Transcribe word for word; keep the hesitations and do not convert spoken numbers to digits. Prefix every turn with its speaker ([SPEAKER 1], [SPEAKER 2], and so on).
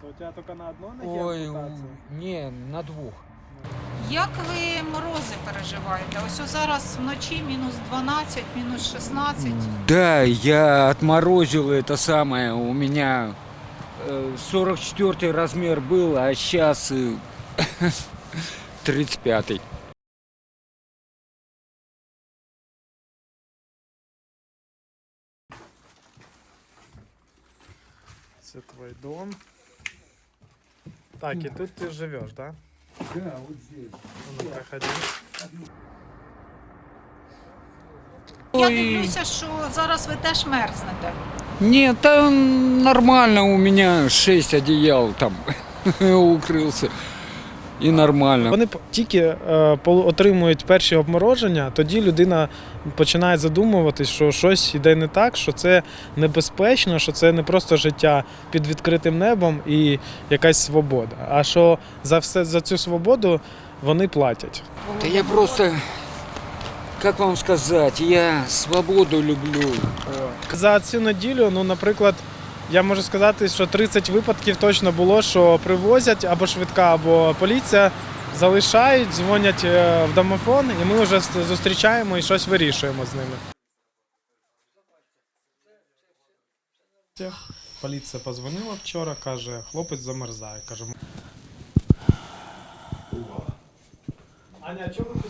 [SPEAKER 1] У тебя только на одной ноге
[SPEAKER 2] Ой,
[SPEAKER 1] ампутация?
[SPEAKER 2] не, на двох.
[SPEAKER 3] Як ви морози переживаєте? Ось о зараз вночі мінус дванадцять, мінус шістнадцять.
[SPEAKER 2] Да, я отморозил это самое. У меня э, сорок четвёртый размер был, а сейчас э, тридцать пятый.
[SPEAKER 1] Это твой дом. Так, и тут ты живешь, да?
[SPEAKER 2] Да, вот здесь.
[SPEAKER 1] Ну, проходи.
[SPEAKER 3] Я
[SPEAKER 2] Ой.
[SPEAKER 3] дивлюся, що зараз ви теж мерзнете.
[SPEAKER 2] Нет, там нормально, у меня шесть одеял там укрылся. И нормально.
[SPEAKER 1] Вони п- тільки е, пол- отримують перші обмороження, тоді людина починає задумуватись, що щось йде не так, що це небезпечно, що це не просто життя під відкритим небом і якась свобода. А що за все за цю свободу вони платять.
[SPEAKER 2] Да я просто, как вам сказать, я свободу люблю.
[SPEAKER 1] За цю неділю, ну, наприклад, я можу сказати, що тридцять випадків точно було, що привозять або швидка, або поліція, залишають, дзвонять е, в домофон, і ми вже зустрічаємо і щось вирішуємо з ними. Поліція подзвонила вчора, каже, хлопець замерзає. Каже, Аня, а чого ви